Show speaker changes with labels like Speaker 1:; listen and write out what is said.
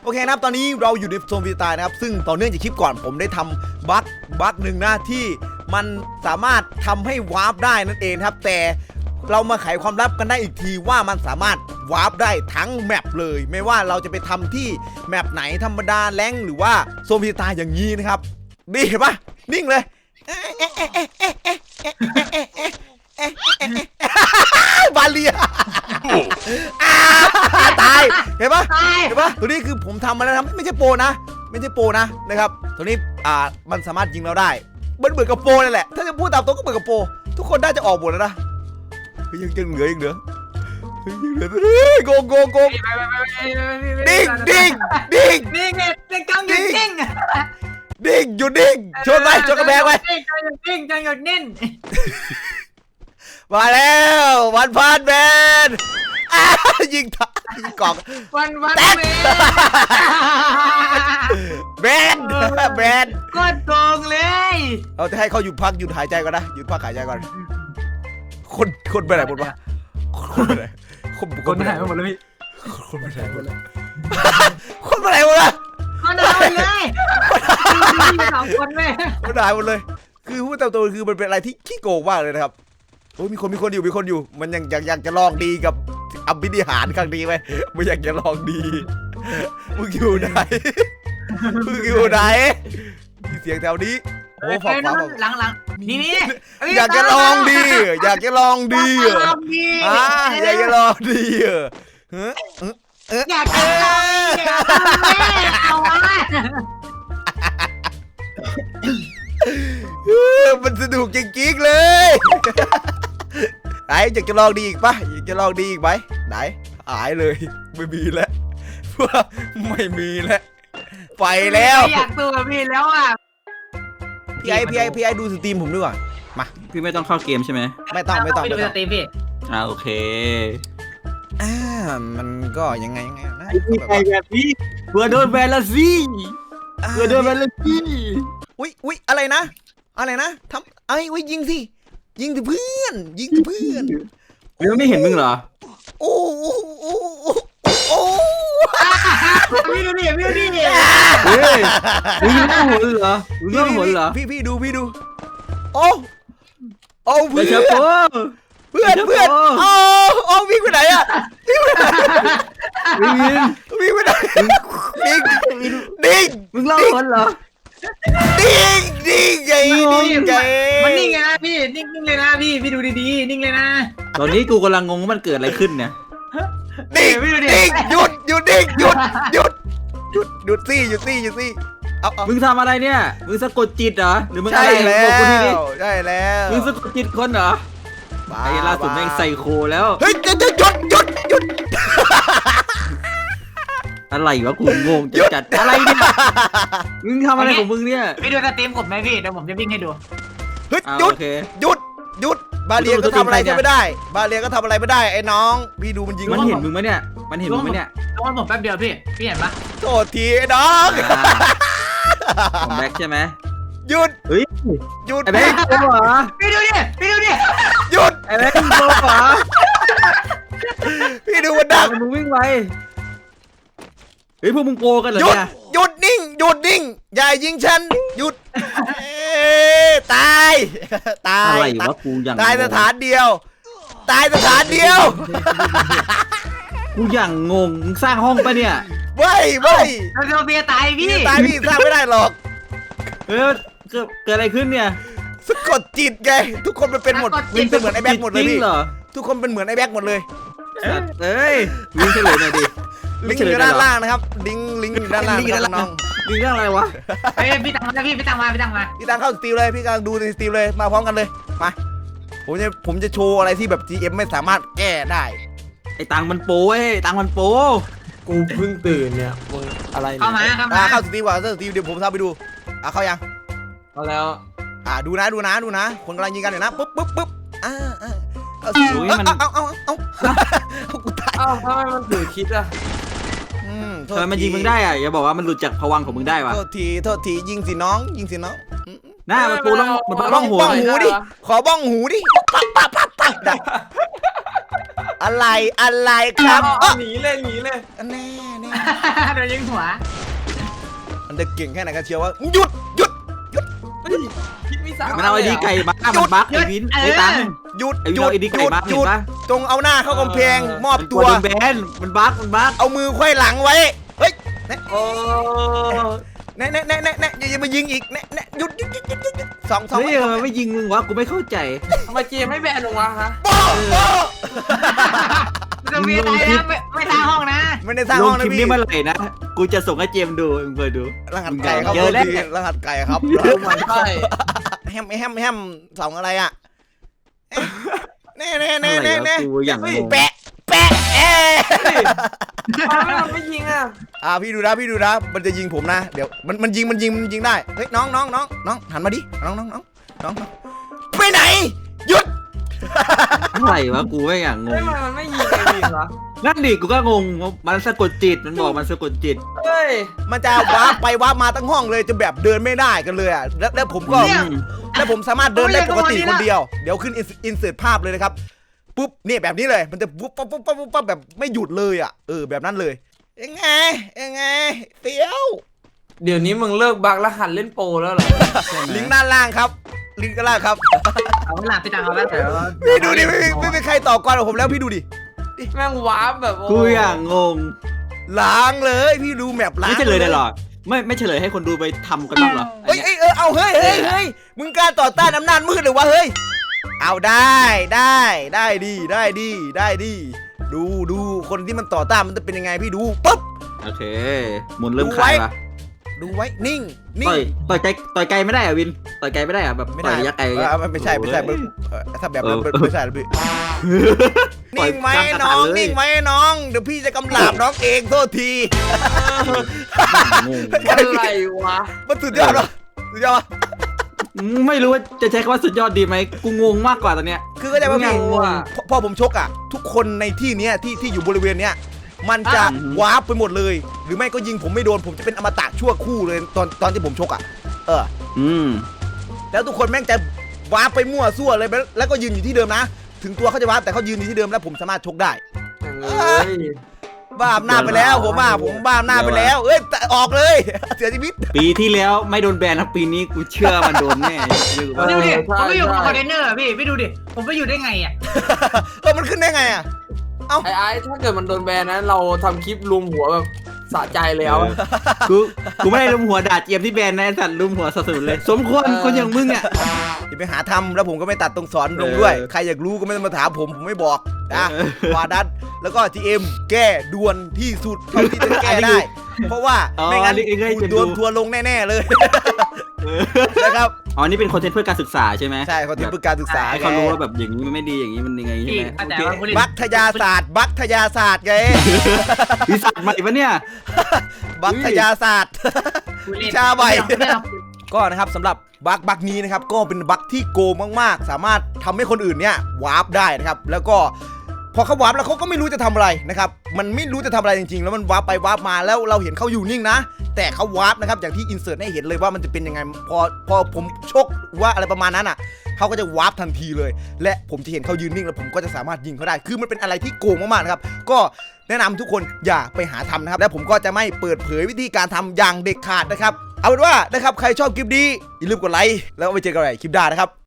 Speaker 1: อเคนะครับตอนนี้เราอยู่ในโซนฟรีสไตล์นะครับซึ่งต่อเนื่องจากคลิปก่อนผมได้ทำบั๊กหนึ่งนะที่มันสามารถทำให้วาร์ปได้นั่นเองครับแต่เรามาไขความลับกันได้อีกทีว่ามันสามารถวาร์ปได้ทั้งแมปเลยไม่ว่าเราจะไปทำที่แมปไหนธรรมดาแรงหรือว่าโซนฟรีสไตล์อย่างนี้นะครับนี่เห็นปะนิ่งเลยบาเลียตายเห็นปะตัวนี้คือผมทำมาแล้วครับไม่ใช่โปรนะนะครับตัวนี้มันสามารถยิงเราได้เหมือนกับโปรนั่นแหละถ้าจะพูดตามตรงก็เหมือนกับโปรทุกคนน่าจะออกหมดแล้วนะยังเหลือโกงดิ้ง
Speaker 2: นี่ไงเด็กจังหยุดนิ่ง
Speaker 1: ดิ้งหยุดดิ้งชนกระแพงไว้
Speaker 2: ดิ้งจังหยุดนิ่ง
Speaker 1: มาแล้ววันพานแมนยิงกล่อง
Speaker 2: วัน
Speaker 1: แบน
Speaker 2: ก็โกงเลย
Speaker 1: เราจะให้เขาหยุดหายใจก่อนนะหยุดพักหายใจก่อนคนไปไหนหมดวะคนไปไหน
Speaker 2: หมดเลยพี่
Speaker 1: คนไปไหนหมดเลยคนไปไหนหมดเลย
Speaker 2: คนหายเลย2 คนไหม
Speaker 1: คนหายหมดเลยคือพูดตามตัวคือมันเป็นอะไรที่ขี้โกงมากเลยนะครับโอ้ยมีคนอยู่มันยังอยากจะลองดีกับอภินิหารครั้งนี้ไหมไม่อยากจะลองดีมึงอยู่ไหนมีเสียงแถวนี้โอ้ฝั่ง
Speaker 2: หลังนี่
Speaker 1: อยากจะลองดีอยากจะลองดีอยากจะลองดี
Speaker 2: อยากจะลองเอาวะ
Speaker 1: มันสนุกจริงๆเลยไหนอยากจะลองดีอีกปะอยากจะลองดีอีกไหมไหนหายเลยไม่มีแล้วไม่มีแล้วไปแล้ว
Speaker 2: อยากตัวพี่แล้วอ่ะ
Speaker 1: พี่ไอดูสตรีมผมด้วยว่ะมา
Speaker 3: พี่ไม่ต้องเข้าเกมใช่ไหม
Speaker 1: ไม่ต้อง
Speaker 2: ไปดูสตรีมพี่
Speaker 3: โอเค
Speaker 1: มันก็ยังไงนะ
Speaker 3: แบบนี้เพื่อโดนแบนละสิ
Speaker 1: อุ้ยอะไรนะทำไอ้ยิงสิเพื่อน
Speaker 3: ไม่เห็นมึงเหรอ
Speaker 1: โอ้
Speaker 2: พี่ดูดิ
Speaker 3: มึงน่าหนเหรอ
Speaker 1: พี่ดูโอ้เพื่อนโอ้วิ่งไปไหนอ่ะวิ่งไปไหนดิ้ง
Speaker 3: มึงเล่าคนเหรอ
Speaker 1: ดิ้งไง
Speaker 2: มันนิ่งไงนะพี่นิ่งเลยนะพี่ดูดีๆนิ่งเลยนะ
Speaker 3: ตอนนี้กูกำลังงงว่ามันเกิดอะไรขึ้นเนี่ย
Speaker 1: ดิ้งหยุดดิ้งหยุดซี่เอา
Speaker 3: มึงทำอะไรเนี่ยมึงสะกดจิตเหรอหรือมึงอะไร
Speaker 1: ใช่แล้ว
Speaker 3: มึงสะกดจิตคนเหรอไอ้ล่าสุดแม่งไซโคแล้ว
Speaker 1: เฮ้ยหยุด
Speaker 3: อะไรวะกูงงจัดอะไรเนี่ยมึงทำอะไรของมึงเนี่ย
Speaker 2: พี่ดูสตรีมผมไหมพี่เดี๋ยวผมจะวิ่งให้ดู
Speaker 1: เฮ้ยหยุดบาเลียก็ทำอะไรไม่ได้ไอ้น้องพี่ดูมันยิง
Speaker 3: มันเห็นมึงไหมเนี่ย
Speaker 2: ต้องผมแป๊บเดียวพี่เห็นปะ
Speaker 1: โทษทีไอ้น้อง
Speaker 3: ผมแบ็คใช่ไหม
Speaker 1: หยุด
Speaker 3: ไอ้แบ็คโกเหรอ
Speaker 2: พี่ดูดิ
Speaker 1: หยุด
Speaker 3: ไอ้แบ็คโกเหรอ
Speaker 1: พี่ดูมันดัก
Speaker 3: มึงวิ่งไปเฮ้ยพวกมึงโกกันเหรอเนี่ย
Speaker 1: หยุดนิ่งอย่ายิงฉันหยุดตาย
Speaker 3: อะไรวะกูอย่าง
Speaker 1: ตายสถานเดียว
Speaker 3: กูอย่างงงมึงสร้างห้องปะเนี่ย
Speaker 1: ไม่
Speaker 2: เราเบียตายพี่
Speaker 1: สร้างไม่ได้หรอก
Speaker 3: เกิดอะไรขึ้นเนี่ย
Speaker 1: สะกดจิตไงทุกคนมันเป็นหมดวิ่งเป็นเหมือนไอ้แบ็คหมดเลยพี่ทุกคนเป็นเหมือนไอ้แบ็คหมดเลย
Speaker 3: เอ้ยลิงเฉลยหน่อยดิ
Speaker 1: ลิงอยู่ด้านล่างนะครับลิงอยู่ด้านล่างน้อง
Speaker 3: ลิงเรื่องอะไรวะ
Speaker 2: พี่ตังมาพี่ตัง
Speaker 1: เข้าสตรีมเลยพี่กำลังดูในสตรีมเลยมาพร้อมกันเลยมาผมจะโชว์อะไรที่แบบ GM ไม่สามารถแก้ได้
Speaker 3: ไอ้ตังมันโป้
Speaker 4: กูเพิ่งตื่นเนี่ยมึงอะไร
Speaker 2: เข้ามา
Speaker 1: เข้าสตรีมก่อนสตรีมเดี๋ยวผมทำไปดูเข้ายัง
Speaker 4: เข้าแล้ว
Speaker 1: ดูนะคนกำลังยิงกันอยู่นะปุ๊บเอา
Speaker 4: กูตายทำไมมันถือคิดอะ
Speaker 3: ทำไมมันยิงมึงได้อะอย่าบอกว่ามันหลุดจากภวังของมึงได้วะ
Speaker 1: โทษทียิงสิน้อง
Speaker 3: หน้ามันปูบ้องหู
Speaker 1: ดิขอบ้องหูดิปั๊บได้อะไรครับ
Speaker 4: เอาหนีเลยแน่
Speaker 1: แน่แน่
Speaker 2: โดนยิงหัว
Speaker 1: มันจะเก่งแค่ไหนกันเชียวว่าหยุด
Speaker 4: เฮ้ยคิดไม่สาม
Speaker 3: มันเอาไอ้ดีไก่บักมันบักไอ้วินไอ้ตัง
Speaker 1: หยุด
Speaker 3: ไอ้วินเอาไอ้ดีไก่บัก
Speaker 1: ห
Speaker 3: เห็
Speaker 1: ยุ
Speaker 3: น
Speaker 1: ด
Speaker 3: ปะ
Speaker 1: จงเอาหน้าเข้ากำแพงมอบ
Speaker 3: มัน
Speaker 1: ตัว
Speaker 3: โดนแบนมันบัก
Speaker 1: เอามือไขว้หลังไว้เฮ้ย
Speaker 4: โอ้
Speaker 1: แน่อย่ามายิงอีกแน่หยุดสอง
Speaker 3: เฮ้ยมันไม่ยิงมึงวะกูไม่เข้าใจ
Speaker 4: ทำไมเจมไม่แบนลงวะฮะ
Speaker 1: โป้
Speaker 2: จะมีอะไรนะไม่ทางห้องนะ
Speaker 1: ไม่ได้สร้าง
Speaker 3: ล
Speaker 1: ห้
Speaker 3: ง
Speaker 1: อง
Speaker 3: ค
Speaker 1: นะ
Speaker 3: ลิป
Speaker 1: พี่
Speaker 3: นี้เมื่อไหร่นะกูจะส่งให้เจมดูมึงเปิดดู
Speaker 1: รหัสไก่ครับ
Speaker 3: เจอแล้ว
Speaker 1: รหัสไก่ครับ
Speaker 4: มันใช่
Speaker 1: แฮมสองอะไรอ่ะแน่
Speaker 3: อะไรวะกูอย่างงง
Speaker 1: แปะ
Speaker 4: มันไม่ยิงอ่ะ
Speaker 1: พี่ดูนะมันจะยิงผมนะเดี๋ยวมันยิงได้เฮ้ยน้องหันมาดิน้องไปไหนหยุด
Speaker 3: อะไรวะกูไม่อย่างง
Speaker 4: เฮ้ย
Speaker 3: ง
Speaker 4: มันไม่ยิงไอ้วินเหรอ
Speaker 3: นั่นดิกูก็งงมันสะกดจิตมันบอกมันสะกดจิต
Speaker 4: เฮ้ย
Speaker 1: มันจะว้าไปว้ามาทั้งห้องเลยจะแบบเดินไม่ได้กันเลยอ่ะแล้วผมก็
Speaker 2: เนี่ย
Speaker 1: แล้วผมสามารถเดินได้ปกติคนเดียวเดี๋ยวขึ้นอินเสิร์ตภาพเลยนะครับปุ๊บเนี่ยแบบนี้เลยมันจะปุ๊บปั๊บแบบไม่หยุดเลยอ่ะแบบนั้นเลยยังไงเตี้ยว
Speaker 4: เดี๋ยวนี้มึงเลิกบักแล้วหัดเล่นโปรแล้วเหรอ
Speaker 1: ลิงก์ด้านล่างครับลิงก์ด้านล่างครับ
Speaker 2: เอาเวลาไปตังเอาแล้วแต่
Speaker 1: พี่ดูดิไม่มีใครต่อกรกับผมแล้วพี่ดูดิ
Speaker 4: แม่งวาร์ปแบบโ
Speaker 3: กูอย่างงง
Speaker 1: ล้างเลยพี่ดูแมปล้าง
Speaker 3: ไม่เฉลยได้หรอไม่เฉลยให้คนดูไปทำกันบ้างเหรอ
Speaker 1: เฮ้ยเอาเฮ้ยมึงกล้าต่อต้านอำนาจมืดหรือวะเฮ้ยเอาได้ดีดูคนที่มันต่อต้านมันจะเป็นยังไงพี่ดูปุ๊บ
Speaker 3: โอเคหมุนเริ่มคลายปะ
Speaker 1: ดูไว้นิ่ง
Speaker 3: ต่อยไกลไม่ได้อะวินต่อยไกลไม่ได้อะแบบ
Speaker 1: ไม่
Speaker 3: ต่
Speaker 1: ได้
Speaker 3: อยระยะไกล
Speaker 1: ไม่ใช่ถ้าแบบนั้นไม่ใช่แล้วพี่
Speaker 3: ต่อย
Speaker 1: นิ่งไหม
Speaker 3: กลางกระ
Speaker 1: น้อง
Speaker 3: ถางเลย
Speaker 1: นิ่งไหมน้องเดี๋ยวพี่จะกำลาบน้องเองโทษที
Speaker 3: งง
Speaker 4: อะไรวะ
Speaker 1: มันสุดยอดวะสุดยอดวะ
Speaker 3: ไม่รู้ว่าจะใช้คำว่าสุดยอดดีไหมกูงงมากกว่าตอนเนี้ย
Speaker 1: คือก็ได้ว่าพี่
Speaker 3: งง
Speaker 1: พอผมชกอ่ะทุกคนในที่เนี้ยที่อยู่บริเวณเนี้ยมันจะ
Speaker 3: อืม
Speaker 1: วาร์ปไปหมดเลย หรือไม่ก็ยิงผมไม่โดนผมจะเป็นอมตะชั่วคู่เลยตอนที่ผมชกอ่ะแล้วทุกคนแม่งจะวาร์ปไปมั่วซั่วเลยแล้วก็ยืนอยู่ที่เดิมนะ ถึงตัวเขาจะวาร์ปแต่เขายืนอยู่ที่เดิมแล้วผมสามารถชกได้
Speaker 4: เอ้ย
Speaker 1: บ้าอำนาจไปแล้วผมบ้าอำนาจไปแล้วเอ้ยออกเลย เสียชีวิต
Speaker 3: ปีที่แล้วไม่โดนแบนนะปีนี้กูเชื่อมันโดนแน่เรื่องว่า
Speaker 2: ดูดิผมไปอยู่กับคอนเทนเนอร์พี่ดูดิผมไปอยู่ได้ไงอ่ะ
Speaker 1: มันขึ้นได้ไงอ่ะ
Speaker 4: ไอ้ถ้าเกิดมันโดนแบนนะเราทำคลิปรวมหัวแบบสะใจแล้ว
Speaker 3: กูไม่ได้ลุมหัวด่าเจียมที่แบนนะไอ้สัตว์ลุมหัวสะสุนเลย สมควรคนอย่างมึงอ่ะ
Speaker 1: อย่าไปหาทำแล้วผมก็ไม่ตัดตรงสอนลงด้วย ใครอยากรู้ก็ไม่ต้องมาถามผมไม่บอกนะวาดัสแล้วก็ GM แก้ด่วนที่สุดเท่าที่จะแก้ได้ เพราะว่าไม่งั้นกูโดนทัวร์ลงแน่ๆเลยนะครับ
Speaker 3: อ๋อนี่เป็นคอนเทนต์เพื่อการศึกษาใช่ไหม
Speaker 1: ใช่เขาที่ปรึกการศึกษา
Speaker 3: ให้เขารู้ว่าแบบอย่างนี้มันไม่ดีอย่างนี้มันยังไงใช่
Speaker 2: พี่
Speaker 3: ไหม
Speaker 2: แต่ว่าคุณ
Speaker 1: บัคทยาศาสตร์ไง
Speaker 3: วิสัทใหม่ปะเนี่ย
Speaker 1: บัคทยาศาสตร์ ชาใบ ก็นะครับสำหรับบัคนี้นะครับก็เป็นบัคที่โกงมากๆสามารถทำให้คนอื่นเนี่ยวาร์ปได้นะครับแล้วก็พอเขาวาร์ปแล้วเขาก็ไม่รู้จะทำอะไรนะครับมันไม่รู้จะทำอะไรจริงๆแล้วมันวาร์ปไปวาร์ปมาแล้วเราเห็นเขาอยู่นิ่งนะแต่เขาวาร์ปนะครับอย่างที่อินเสิร์ตให้เห็นเลยว่ามันจะเป็นยังไงพอผมชกว่าอะไรประมาณนั้นอ่ะเขาก็จะวาร์ปทันทีเลย และผมจะเห็นเขายืนนิ่งแล้วผมก็จะสามารถยิงเขาได้คือมันเป็นอะไรที่โกงมากๆนะครับก็แนะนำทุกคนอย่าไปหาทำนะครับและผมก็จะไม่เปิดเผยวิธีการทำอย่างเด็ดขาดนะครับเอาเป็นว่านะครับใครชอบคลิปนี้อย่าลืมกดไลค์แล้วไว้เจอกันใหม่คลิปหน้านะครับ